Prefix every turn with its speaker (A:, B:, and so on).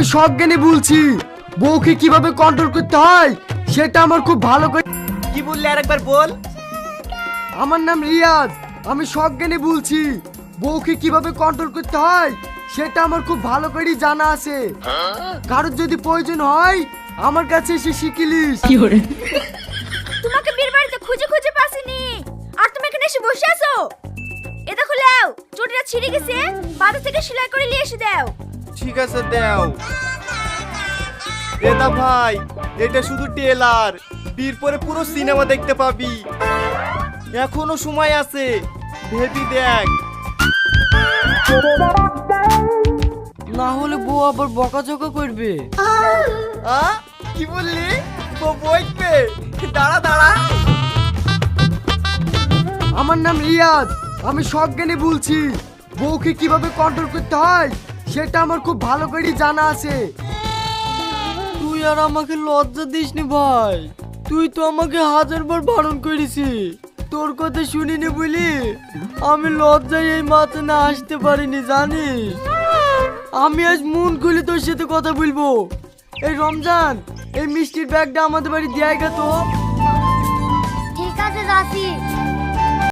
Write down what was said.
A: আমি সজ্ঞানে বলছি, বউকে কিভাবে কন্ট্রোল করতে হয় সেটা আমার খুব ভালো করে।
B: কি বললি আরেকবার বল।
A: আমার নাম রিয়াজ, আমি সজ্ঞানে বলছি, বউকে কিভাবে কন্ট্রোল করতে হয় সেটা আমার খুব ভালো করেই জানা আছে। কারোর যদি প্রয়োজন হয় আমার কাছে এসে শিখিলিস।
C: তোমাকে বীর বাড়িতে খুঁজে খুঁজে পাসিনি, আর তুমি এখানে এসে বসে আছো। এ দেখো লাও, চটিটা ছিঁড়ে গেছে, বাজার থেকে সেলাই করে নিয়ে এসে দাও।
B: ঠিক আছে দাও। দাদা ভাই, এটা শুধু টেলার, বীর পরে পুরো সিনেমা দেখতে পাবি। এখনো সময় আছে, ভেবি দেখ।
A: না হলে বউ আবার বকাঝকা করবে।
B: কি বললি? বইবে, দাঁড়া দাঁড়া।
A: আমার নাম রিয়াজ, আমি সজ্ঞানে বলছি, বউকে কিভাবে কন্ট্রোল করতে হয় সেটা আমার খুব ভালো করেই জানা আছে। তুই আর আমাকে লজ্জা দিসনি ভাই, তুই তো আমাকে 1000বার বারণ করেছি। তোর কথা শুনিনি বলি আমি লজ্জায় এই মাথা না আসতে পারিনি, জানিস। আমি আজ মন খুলে তোর সাথে কথা বলবো। এই রমজান, এই মিষ্টির ব্যাগটা আমাদের বাড়ি দিয়ে আয় তো।
C: ঠিক আছে যাচ্ছি।